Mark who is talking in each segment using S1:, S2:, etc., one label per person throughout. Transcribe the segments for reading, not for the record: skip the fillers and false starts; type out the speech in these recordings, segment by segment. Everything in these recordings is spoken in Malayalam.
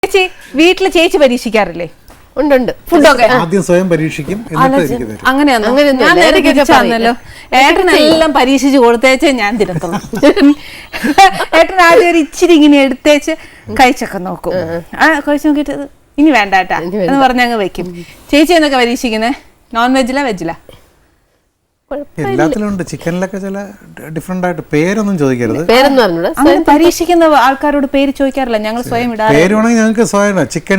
S1: ചേച്ചി വീട്ടില് ചേച്ചി പരീക്ഷിക്കാറില്ലേ?
S2: ഉണ്ട്.
S3: ഫുഡൊക്കെ ആദ്യം സ്വയം പരീക്ഷിക്കും,
S1: അങ്ങനെയാണല്ലോ. ഏട്ടനെല്ലാം പരീക്ഷിച്ച് കൊടുത്തേച്ച് ഞാൻ തിരത്തുള്ളൂ. ഏട്ടൻ ആദ്യം ഒരു ഇച്ചിരി ഇങ്ങനെ എടുത്തേച്ച് കഴിച്ചൊക്കെ നോക്കും. കഴിച്ചു നോക്കിയിട്ട് ഇനി വേണ്ടാട്ടാ എന്ന് പറഞ്ഞ അങ്ങ് വെക്കും. ചേച്ചി എന്നൊക്കെ പരീക്ഷിക്കുന്നേ? നോൺ വെജിലാ വെജിലാ?
S3: എല്ലാത്തിലും ഉണ്ട്. ചിക്കനിലൊക്കെ ചില ഡിഫറെന്റ് ആയിട്ട് പേരൊന്നും ചോദിക്കരുത്.
S1: അങ്ങനെ പരീക്ഷിക്കുന്ന ആൾക്കാരോട് പേര് ചോദിക്കാറില്ല, ഞങ്ങൾ സ്വയം ഇടാറ്.
S3: പേര് വേണമെങ്കിൽ ഞങ്ങൾക്ക് സ്വയം ചിക്കൻ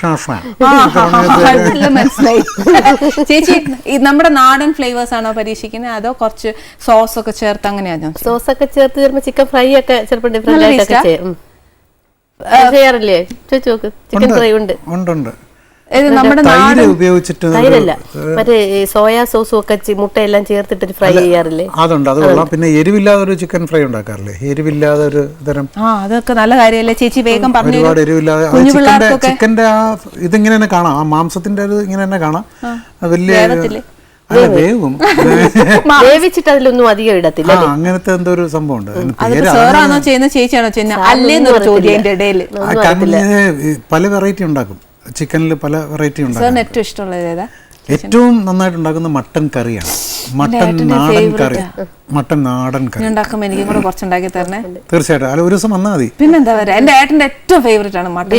S1: മനസ്സിലായി. ചേച്ചി നമ്മുടെ നാടൻ ഫ്ലേവേഴ്സ് ആണോ പരീക്ഷിക്കുന്നത് അതോ കുറച്ച് സോസ് ഒക്കെ ചേർത്ത് അങ്ങനെയാണോ?
S2: സോസ് ഒക്കെ ചേർത്ത് ചിലപ്പോൾ ചിക്കൻ ഫ്രൈ ഒക്കെ ചിലപ്പോൾ ഡിഫറെന്റ് ആയിട്ടൊക്കെ ചെയ്യാറില്ലേ? ചോദിച്ചു നോക്ക്. ചിക്കൻ ഫ്രൈ ഉണ്ട്.
S3: ഉപയോഗിച്ചിട്ട്
S2: മറ്റേ സോയാ സോസും ഒക്കെ മുട്ടയെല്ലാം ചേർത്തിട്ട് ഫ്രൈ ചെയ്യാറില്ലേ?
S3: അതുണ്ട്, അത് കൊള്ളാം. പിന്നെ എരിവില്ലാതെ ഒരു ചിക്കൻ ഫ്രൈ ഉണ്ടാക്കാറില്ലേ? എരിവില്ലാതെ ഒരു തരം.
S1: അതൊക്കെ നല്ല കാര്യമല്ലേ ചേച്ചി? വേഗം പറഞ്ഞു.
S3: ഒരുപാട് എരിവില്ലാതെ ചിക്കന്റെ ആ ഇതിങ്ങനെ തന്നെ കാണാം, ആ മാംസത്തിന്റെ ഒരു ഇങ്ങനെ തന്നെ കാണാം. വലിയ വേവും
S2: വേവിച്ചിട്ട് അതിലൊന്നും അധികം ഇടത്തില്ല.
S3: അങ്ങനത്തെ എന്തോ ഒരു സംഭവം ഉണ്ട്.
S1: സാറാണോ ചെയ്യുന്നത് ചേച്ചിയാണോ ചെയ്യുന്നത് അല്ലേന്നൊരു ചോദ്യം എന്റെ ഇടയിൽ.
S3: പല വെറൈറ്റി ഉണ്ടാക്കും. ചിക്കനിൽ പല വെറൈറ്റി ഉണ്ടാക്കും.
S1: ഏറ്റവും ഇഷ്ടമുള്ളത് ഏതാ?
S3: ഏറ്റവും നന്നായിട്ട് ഉണ്ടാക്കുന്ന മട്ടൻ കറിയാണ്. മട്ടൻ നാടൻ കറി. മട്ടൻ നാടൻ കറി
S1: ഉണ്ടാക്കുമ്പോ എനിക്കും കൂടെ കുറച്ചുണ്ടാക്കി തരണേ.
S3: തീർച്ചയായിട്ടും. അല്ല, ഒരു ദിവസം വന്നാൽ മതി.
S1: പിന്നെന്താ പറയാ, എന്റെ ഏട്ടന്റെ ഏറ്റവും ഫേവറേറ്റ് ആണ് മട്ടൻ.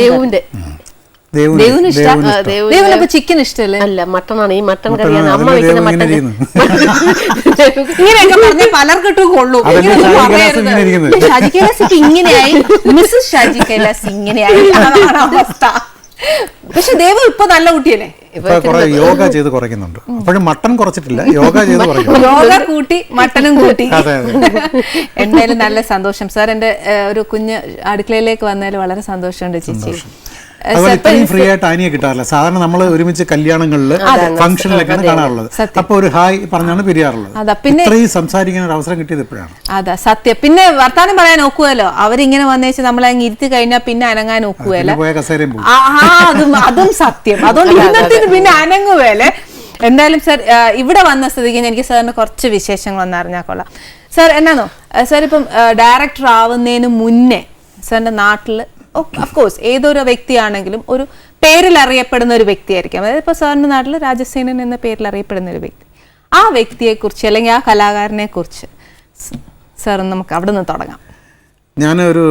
S1: ചിക്കൻ ഇഷ്ടല്ലേ?
S2: അല്ല, മട്ടണാണ്. ഈ മട്ടൻ കറിയാണ് അമ്മ വെക്കുന്ന മട്ടൻ.
S1: ഇങ്ങനെയൊക്കെ പറഞ്ഞ പലർക്കിട്ടും കൊള്ളൂ. ഷാജി കൈലാസ് ഇങ്ങനെയായി, മിസ്സസ് ഷാജി കൈലാസ് ഇങ്ങനെയായി, അതാണ് അവസ്ഥ. പക്ഷെ ദേവു ഇപ്പൊ നല്ല കുട്ടിയല്ലേ?
S3: യോഗ ചെയ്ത് കുറയ്ക്കുന്നുണ്ട്. അപ്പോഴും മട്ടൺ കുറച്ചിട്ടില്ല, യോഗ ചെയ്ത് കുറയ്ക്കും.
S1: യോഗ കൂട്ടി മട്ടനും കൂട്ടി. എന്തായാലും നല്ല സന്തോഷം സാർ. എന്റെ ഒരു കുഞ്ഞ് അടുക്കളയിലേക്ക് വന്നതിൽ വളരെ സന്തോഷമുണ്ട് ചേച്ചി.
S3: ഇത്രയും ഫ്രീ ആയിട്ട് ആനിയെ കിട്ടാറില്ല. സാധാരണ നമ്മൾ ഒരുമിച്ച് കല്യാണങ്ങളിൽ ഫംഗ്ഷനിലൊക്കെയാണ് കാണാറുള്ളത്. അപ്പൊ ഒരു ഹായ് പറഞ്ഞാണ് പിരിയാറുള്ളത്. ഇത്രയും സംസാരിക്കാൻ ഒരു അവസരം കിട്ടിയത് ഇപ്പോഴാണ്.
S1: അതാ സത്യം. പിന്നെ വർത്താനം പറയാൻ ഒക്കുവല്ലോ. അവരിങ്ങനെ വന്നേച്ച് നമ്മളെ അങ്ങ് ഇരുത്തി കഴിഞ്ഞാൽ പിന്നെ അനങ്ങാൻ ഒക്കുവല്ലോ. അതും സത്യം. അതുകൊണ്ട് പിന്നെ അനങ്ങുവേലെ. എന്തായാലും സാർ ഇവിടെ വന്ന സ്ഥിതിക്ക് എനിക്ക് സാറിന് കുറച്ച് വിശേഷങ്ങൾ ഒന്നറിഞ്ഞാൽ കൊള്ളാം. സാർ എന്നാന്നോ, സാർ ഇപ്പം ഡയറക്ടർ ആവുന്നതിന് മുന്നേ സാറിന്റെ നാട്ടില് ഓഫ്കോഴ്സ് ഏതൊരു വ്യക്തിയാണെങ്കിലും ഒരു പേരിൽ അറിയപ്പെടുന്ന ഒരു വ്യക്തിയായിരിക്കും. അതായത് ഇപ്പോൾ സാറിൻ്റെ നാട്ടിൽ രാജസേനൻ എന്ന പേരിൽ അറിയപ്പെടുന്ന ഒരു വ്യക്തി. ആ വ്യക്തിയെക്കുറിച്ച് അല്ലെങ്കിൽ ആ കലാകാരനെ കുറിച്ച് സാർ നമുക്ക് അവിടെ നിന്ന് തുടങ്ങാം.
S3: ഞാനൊരു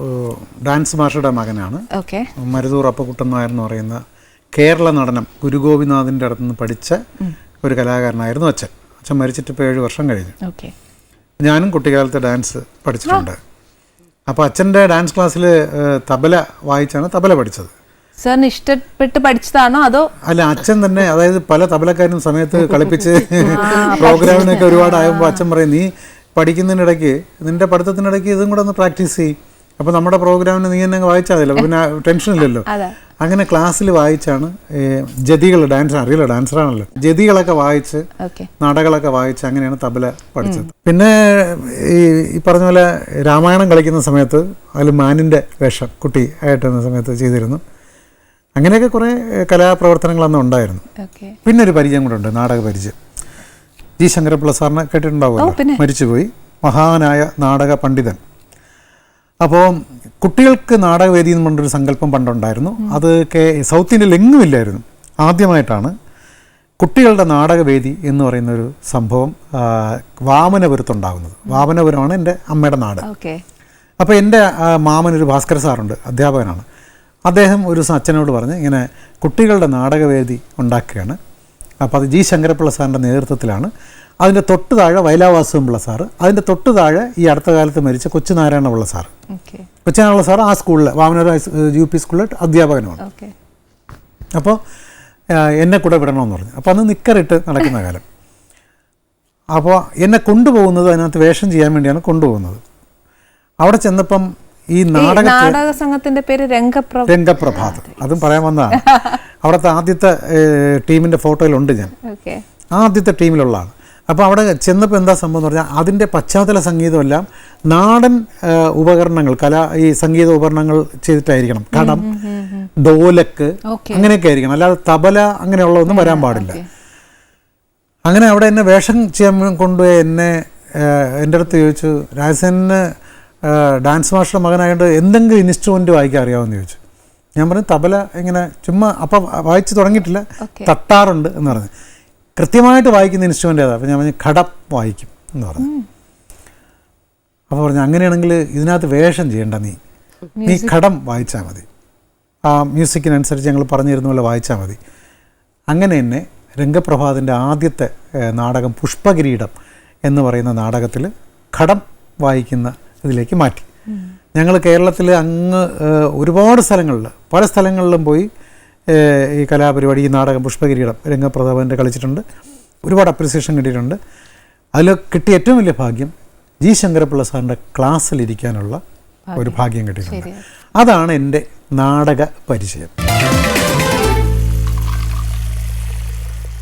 S3: ഡാൻസ് മാസ്റ്ററുടെ മകനാണ്.
S1: ഓക്കെ.
S3: മരുതൂർ അപ്പക്കുട്ടൻ നായർ എന്ന് പറയുന്ന കേരള നടനം ഗുരുഗോപിനാഥിൻ്റെ അടുത്ത് നിന്ന് പഠിച്ച ഒരു കലാകാരനായിരുന്നു അച്ഛൻ. അച്ഛൻ മരിച്ചിട്ട് ഇപ്പോൾ 7 വർഷം കഴിഞ്ഞു.
S1: ഓക്കെ.
S3: ഞാനും കുട്ടിക്കാലത്ത് ഡാൻസ് പഠിച്ചിട്ടുണ്ട്. അപ്പോൾ അച്ഛൻ്റെ ഡാൻസ് ക്ലാസ്സിൽ തബല വായിച്ചാണ് തബല പഠിച്ചത്.
S1: സാറിന് ഇഷ്ടപ്പെട്ട് പഠിച്ചതാണോ അതോ?
S3: അല്ല, അച്ഛൻ തന്നെ, അതായത് പല തബലക്കാരും സമയത്ത് കളിപ്പിച്ച് പ്രോഗ്രാമിനൊക്കെ ഒരുപാടാകുമ്പോൾ അച്ഛൻ പറയും, നീ പഠിക്കുന്നതിനിടയ്ക്ക് നിന്റെ പഠിത്തത്തിനിടയ്ക്ക് ഇതും കൂടെ ഒന്ന് പ്രാക്ടീസ് ചെയ്യും. അപ്പോൾ നമ്മുടെ പ്രോഗ്രാമിന് നീ എന്നെ വായിച്ചാൽ മതിയല്ലോ, പിന്നെ ടെൻഷൻ ഇല്ലല്ലോ. അങ്ങനെ ക്ലാസ്സിൽ വായിച്ചാണ് ജതികൾ, ഡാൻസ് അറിയില്ല, ഡാൻസറാണല്ലോ, ജതികളൊക്കെ വായിച്ച് നാടകളൊക്കെ വായിച്ച് അങ്ങനെയാണ് തബല പഠിച്ചത്. പിന്നെ ഈ പറഞ്ഞ പോലെ രാമായണം കളിക്കുന്ന സമയത്ത് അതിൽ മാനിൻ്റെ വേഷം കുട്ടി ആയിട്ടുന്ന സമയത്ത് ചെയ്തിരുന്നു. അങ്ങനെയൊക്കെ കുറേ കലാപ്രവർത്തനങ്ങളന്ന് ഉണ്ടായിരുന്നു. പിന്നെ ഒരു പരിചയം കൂടെ ഉണ്ട്, നാടക പരിചയം. ജി ശങ്കരപ്പിള്ള സാറിനെ കേട്ടിട്ടുണ്ടാവുമല്ലോ, മരിച്ചുപോയി, മഹാനായ നാടക പണ്ഡിതൻ. അപ്പോൾ കുട്ടികൾക്ക് നാടകവേദി എന്ന് പറഞ്ഞൊരു സങ്കല്പം പണ്ടുണ്ടായിരുന്നു. അത് സൗത്ത് ഇന്ത്യയിൽ എങ്ങും ഇല്ലായിരുന്നു. ആദ്യമായിട്ടാണ് കുട്ടികളുടെ നാടകവേദി എന്ന് പറയുന്നൊരു സംഭവം വാമനപുരത്തുണ്ടാകുന്നത്. വാമനപുരമാണ് എൻ്റെ അമ്മയുടെ നാട്. അപ്പോൾ എൻ്റെ മാമനൊരു ഭാസ്കര സാറുണ്ട്, അധ്യാപകനാണ്. അദ്ദേഹം ഒരു അച്ഛനോട് പറഞ്ഞ് ഇങ്ങനെ കുട്ടികളുടെ നാടകവേദി ഉണ്ടാക്കുകയാണ്. അപ്പോൾ അത് ജി ശങ്കരപ്പിള്ള സാറിൻ്റെ നേതൃത്വത്തിലാണ്. അതിൻ്റെ തൊട്ട് താഴെ വയലാവാസും പിള്ള സാറ്, അതിൻ്റെ തൊട്ട് താഴെ ഈ അടുത്ത കാലത്ത് മരിച്ച കൊച്ചുനാരായണപിള്ള സാറ്. കൊച്ചുനാരായണപിള്ള സാറ് ആ സ്കൂളിൽ വാമനൂർ UP സ്കൂളിൽ അധ്യാപകനുമാണ്. അപ്പോൾ എന്നെ കൂടെ വിടണമെന്ന് പറഞ്ഞു. അപ്പോൾ അന്ന് നിക്കറിട്ട് നടക്കുന്ന കാലം. അപ്പോൾ എന്നെ കൊണ്ടുപോകുന്നത് അതിനകത്ത് വേഷം ചെയ്യാൻ വേണ്ടിയാണ് കൊണ്ടുപോകുന്നത്. അവിടെ ചെന്നപ്പം ഈ നാടക സംഘത്തിൻ്റെ പേര് രംഗപ്രഭാത്, അതും പറയാൻ വന്നതാണ്. അവിടുത്തെ ആദ്യത്തെ ടീമിൻ്റെ ഫോട്ടോയിലുണ്ട് ഞാൻ, ആദ്യത്തെ ടീമിലുള്ളതാണ്. അപ്പോൾ അവിടെ ചെന്നപ്പോൾ എന്താ സംഭവം എന്ന് പറഞ്ഞാൽ അതിൻ്റെ പശ്ചാത്തല സംഗീതമെല്ലാം നാടൻ ഉപകരണങ്ങൾ, ഈ സംഗീത ഉപകരണങ്ങൾ ചെയ്തിട്ടായിരിക്കണം. കടം, ഡോലക്ക് അങ്ങനെയൊക്കെ ആയിരിക്കണം, അല്ലാതെ തബല അങ്ങനെയുള്ളതൊന്നും വരാൻ പാടില്ല. അങ്ങനെ അവിടെ എന്നെ വേഷം ചെയ്യാൻ കൊണ്ടുപോയി എന്നെ എൻ്റെ അടുത്ത് ചോദിച്ചു, രാജസേനന് ഡാൻസ് മാസ്റ്റർ മകനായതുകൊണ്ട് എന്തെങ്കിലും ഇൻസ്ട്രുമെൻറ്റ് വായിക്കാൻ അറിയാമെന്ന് ചോദിച്ചു. ഞാൻ പറഞ്ഞു തബല ഇങ്ങനെ ചുമ്മാ അപ്പം വായിച്ച് തുടങ്ങിയിട്ടില്ല, തട്ടാറുണ്ട് എന്ന് പറഞ്ഞു. കൃത്യമായിട്ട് വായിക്കുന്ന ഇൻസ്ട്രുമെൻ്റ് ഏതാ? അപ്പോൾ ഞാൻ പറഞ്ഞു ഘടം വായിക്കും എന്ന് പറഞ്ഞു. അപ്പോൾ പറഞ്ഞു അങ്ങനെയാണെങ്കിൽ ഇതിനകത്ത് വേഷം ചെയ്യേണ്ട, നീ ഘടം വായിച്ചാൽ മതി, ആ മ്യൂസിക്കിനനുസരിച്ച് ഞങ്ങൾ പറഞ്ഞു തരുന്ന പോലെ വായിച്ചാൽ മതി. അങ്ങനെ തന്നെ രംഗപ്രഭാതിൻ്റെ ആദ്യത്തെ നാടകം പുഷ്പകിരീടം എന്ന് പറയുന്ന നാടകത്തിൽ ഘടം വായിക്കുന്ന ഇതിലേക്ക് മാറ്റി. ഞങ്ങൾ കേരളത്തിൽ അങ്ങ് ഒരുപാട് സ്ഥലങ്ങളിൽ, പല സ്ഥലങ്ങളിലും പോയി ഈ കലാപരിപാടി, ഈ നാടകം പുഷ്പകിരീടം രംഗപ്രഭാതിൻ്റെ കളിച്ചിട്ടുണ്ട്. ഒരുപാട് അപ്രിസിയേഷൻ കിട്ടിയിട്ടുണ്ട്. അതിൽ കിട്ടിയ ഏറ്റവും വലിയ ഭാഗ്യം ജി ശങ്കരപ്പിള്ള സാറിൻ്റെ ക്ലാസ്സിലിരിക്കാനുള്ള ഒരു ഭാഗ്യം കിട്ടിയിട്ടുണ്ട്. അതാണ് എൻ്റെ നാടക പരിചയം.